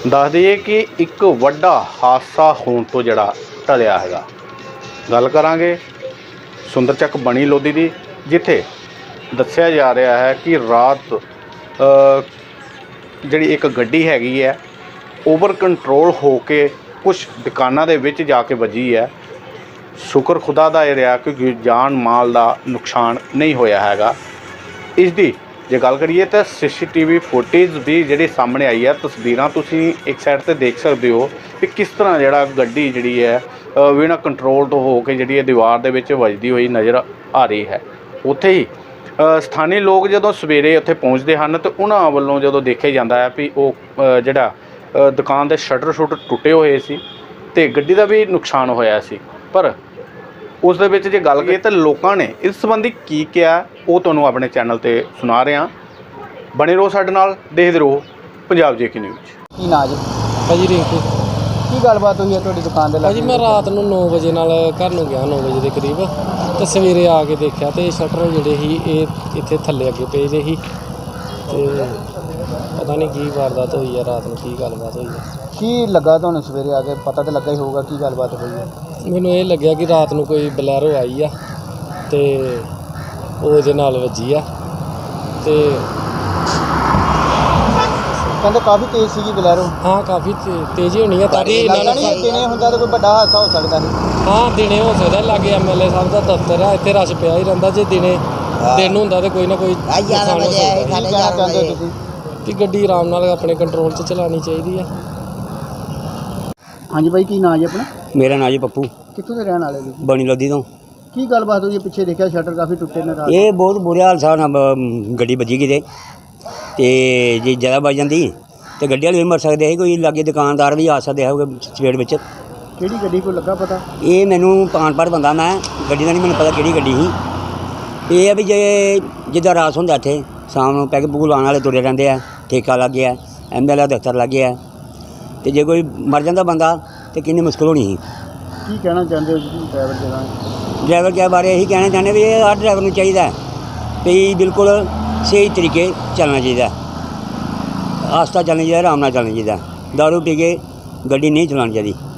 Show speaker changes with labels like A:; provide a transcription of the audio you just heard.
A: ਦੱਸ ਦਈਏ ਕਿ ਇੱਕ ਵੱਡਾ ਹਾਦਸਾ ਹੋਣ ਤੋਂ ਜਿਹੜਾ ਟਲਿਆ ਹੈਗਾ। ਗੱਲ ਕਰਾਂਗੇ ਸੁੰਦਰਚੱਕ ਬਣੀ ਲੋਧੀ ਦੀ, ਜਿੱਥੇ ਦੱਸਿਆ ਜਾ ਰਿਹਾ ਹੈ ਕਿ ਰਾਤ ਜਿਹੜੀ ਇੱਕ ਗੱਡੀ ਹੈਗੀ ਹੈ ਓਵਰ ਕੰਟਰੋਲ ਹੋ ਕੇ ਕੁਛ ਦੁਕਾਨਾਂ ਦੇ ਵਿੱਚ ਜਾ ਕੇ ਵੱਜੀ ਹੈ। ਸ਼ੁਕਰ ਖੁਦਾ ਦਾ ਇਹ ਰਿਹਾ ਕਿ ਜਾਨ ਮਾਲ ਦਾ ਨੁਕਸਾਨ ਨਹੀਂ ਹੋਇਆ ਹੈਗਾ। ਇਸ ਦੀ ਜੇ ਗੱਲ ਕਰੀਏ ਤਾਂ CCTV ਫੁਟੇਜ ਵੀ ਜਿਹੜੀ ਸਾਹਮਣੇ ਆਈ ਹੈ, ਤਸਵੀਰਾਂ ਤੁਸੀਂ ਇੱਕ ਸਾਈਡ 'ਤੇ ਦੇਖ ਸਕਦੇ ਹੋ ਕਿ ਕਿਸ ਤਰ੍ਹਾਂ ਜਿਹੜਾ ਗੱਡੀ ਜਿਹੜੀ ਹੈ ਬਿਨਾਂ ਕੰਟਰੋਲ ਤੋਂ ਹੋ ਕੇ ਜਿਹੜੀ ਹੈ ਦੀਵਾਰ ਦੇ ਵਿੱਚ ਵੱਜਦੀ ਹੋਈ ਨਜ਼ਰ ਆ ਰਹੀ ਹੈ। ਉੱਥੇ ਹੀ ਸਥਾਨੀ ਲੋਕ ਜਦੋਂ ਸਵੇਰੇ ਉੱਥੇ ਪਹੁੰਚਦੇ ਹਨ ਤਾਂ ਉਹਨਾਂ ਵੱਲੋਂ ਜਦੋਂ ਦੇਖਿਆ ਜਾਂਦਾ ਹੈ ਵੀ ਉਹ ਜਿਹੜਾ ਦੁਕਾਨ ਦੇ ਸ਼ਟਰ ਟੁੱਟੇ ਹੋਏ ਸੀ ਅਤੇ ਗੱਡੀ ਦਾ ਵੀ ਨੁਕਸਾਨ ਹੋਇਆ ਸੀ। ਪਰ ਉਸ ਦੇ ਵਿੱਚ ਜੇ ਗੱਲ ਕਰੀਏ ਤਾਂ ਲੋਕਾਂ ਨੇ ਇਸ ਸੰਬੰਧੀ ਕੀ ਕਿਹਾ ਉਹ ਤੁਹਾਨੂੰ ਆਪਣੇ ਚੈਨਲ 'ਤੇ ਸੁਣਾ ਰਿਹਾ। ਬਣੇ ਰਹੋ ਸਾਡੇ ਨਾਲ, ਦੇਖਦੇ ਰਹੋ ਪੰਜਾਬ JK ਨਿਊਜ਼।
B: ਕੀ ਨਾਂ ਜੀ?
C: ਭਾਜੀ ਰਿੰਕੂ।
B: ਕੀ ਗੱਲਬਾਤ ਹੋਈ ਹੈ ਤੁਹਾਡੀ ਦੁਕਾਨ ਦੇ ਲਾਗੇ?
C: ਭਾਜੀ ਮੈਂ ਰਾਤ ਨੂੰ 9 ਵਜੇ ਨਾਲ ਘਰ ਨੂੰ ਗਿਆ, 9 ਵਜੇ ਦੇ ਕਰੀਬ, ਅਤੇ ਸਵੇਰੇ ਆ ਕੇ ਦੇਖਿਆ ਅਤੇ ਸ਼ਟਰ ਜਿਹੜੇ ਸੀ ਇਹ ਇੱਥੇ ਥੱਲੇ ਅੱਗੇ ਪਏ ਦੇ ਸੀ, ਅਤੇ ਪਤਾ ਨਹੀਂ ਕੀ ਵਾਰਦਾਤ ਹੋਈ ਹੈ ਰਾਤ ਨੂੰ, ਕੀ ਗੱਲਬਾਤ ਹੋਈ ਹੈ।
B: ਕੀ ਲੱਗਾ ਤੁਹਾਨੂੰ ਸਵੇਰੇ ਆ ਕੇ? ਪਤਾ ਤਾਂ ਲੱਗਾ ਹੀ ਹੋਊਗਾ ਕੀ ਗੱਲਬਾਤ ਹੋਈ ਹੈ।
C: ਮੈਨੂੰ ਇਹ ਲੱਗਿਆ ਕਿ ਰਾਤ ਨੂੰ ਕੋਈ ਬਲੈਰੋ ਆਈ ਆ ਅਤੇ ਉਹ ਇਹਦੇ ਨਾਲ ਵੱਜੀ ਆ, ਅਤੇ
B: ਕਹਿੰਦੇ ਕਾਫੀ ਤੇਜ਼ ਸੀਗੀ ਬਲੈਰੋ।
C: ਹਾਂ ਕਾਫੀ ਤੇਜ਼ੀ ਹੋਣੀ ਆ ਤਾਂ ਕਿ ਇਹਨਾਂ ਨੂੰ
B: ਦਿਨੇ ਹੁੰਦਾ ਤਾਂ ਕੋਈ ਵੱਡਾ ਹਾਦਸਾ ਹੋ ਸਕਦਾ ਸੀ।
C: ਹਾਂ ਦਿਨੇ ਹੋ ਸਕਦਾ, ਲਾਗੇ MLA ਸਾਹਿਬ ਦਾ ਦਫ਼ਤਰ ਆ, ਇੱਥੇ ਰਸ਼ ਪਿਆ ਹੀ ਰਹਿੰਦਾ। ਜੇ ਦਿਨ ਹੁੰਦਾ ਤਾਂ ਕੋਈ ਨਾ ਕੋਈ ਨੁਕਸਾਨ ਹੋ ਸਕਦਾ।
B: ਕੀ ਕਹਿਣਾ ਚਾਹੁੰਦੇ ਹੋ ਤੁਸੀਂ?
C: ਕਿ ਗੱਡੀ ਆਰਾਮ ਨਾਲ ਆਪਣੇ ਕੰਟਰੋਲ 'ਚ ਚਲਾਉਣੀ ਚਾਹੀਦੀ ਆ।
B: ਹਾਂਜੀ ਬਾਈ, ਕੀ ਨਾਂ ਜੀ ਆਪਣਾ?
D: ਮੇਰਾ ਨਾਂ ਜੀ ਪੱਪੂ,
B: ਕਿੱਥੋਂ ਦੇ ਰਹਿਣ ਵਾਲੇ ਜੀ?
D: ਬਣੀ ਲੋਧੀ ਤੋਂ।
B: ਕੀ ਗੱਲਬਾਤ ਹੋਈ ਹੈ? ਪਿੱਛੇ ਦੇਖਿਆ ਸ਼ਟਰ ਕਾਫੀ ਟੁੱਟੇ ਨੇ ਰਾਤ।
D: ਇਹ ਬਹੁਤ ਬੁਰੇ ਹਾਲ ਸਾਹ ਨਾਲ ਗੱਡੀ ਵੱਜੀ ਕਿਤੇ, ਅਤੇ ਜੇ ਜ਼ਿਆਦਾ ਵੱਜ ਜਾਂਦੀ ਤਾਂ ਗੱਡੀ ਵਾਲੇ ਵੀ ਮਰ ਸਕਦੇ ਸੀ, ਕੋਈ ਲਾਗੇ ਦੁਕਾਨਦਾਰ ਵੀ ਆ ਸਕਦੇ ਹੋਗੇ ਸਪੀਡ ਵਿੱਚ।
B: ਕਿਹੜੀ ਗੱਡੀ ਕੋਈ ਲੱਗਾ ਪਤਾ?
D: ਇਹ ਮੈਨੂੰ ਪਾਣ ਬੰਦਾ, ਮੈਂ ਗੱਡੀ ਦਾ ਨਹੀਂ ਮੈਨੂੰ ਪਤਾ ਕਿਹੜੀ ਗੱਡੀ ਸੀ। ਇਹ ਆ ਵੀ ਜੇ ਜਿੱਦਾਂ ਰਾਸ ਹੁੰਦਾ ਇੱਥੇ ਸ਼ਾਮ ਨੂੰ ਪੈਗ ਪੂਗ ਲਾਉਣ ਵਾਲੇ ਤੁਰੇ ਰਹਿੰਦੇ ਆ, ਠੇਕਾ ਲੱਗ ਗਿਆ, MLA ਦਫ਼ਤਰ ਲੱਗ ਗਿਆ, ਅਤੇ ਜੇ ਕੋਈ ਮਰ ਜਾਂਦਾ ਬੰਦਾ ਤਾਂ ਕਿੰਨੀ ਮੁਸ਼ਕਿਲ ਹੋਣੀ ਸੀ।
B: ਕੀ ਕਹਿਣਾ ਚਾਹੁੰਦੇ ਹੋ ਜੀ
D: ਡਰਾਈਵਰ ਕੇ ਬਾਰੇ ਇਹੀ ਕਹਿਣਾ ਚਾਹੁੰਦੇ ਵੀ ਇਹ ਹਰ ਡਰਾਈਵਰ ਨੂੰ ਚਾਹੀਦਾ ਵੀ ਬਿਲਕੁਲ ਸਹੀ ਤਰੀਕੇ ਚੱਲਣਾ ਚਾਹੀਦਾ, ਆਸਤਾ ਚੱਲਣਾ ਚਾਹੀਦਾ, ਆਰਾਮ ਨਾਲ ਚੱਲਣਾ ਚਾਹੀਦਾ। ਦਾਰੂ ਪੀ ਕੇ ਗੱਡੀ ਨਹੀਂ ਚਲਾਉਣੀ ਚਾਹੀਦੀ।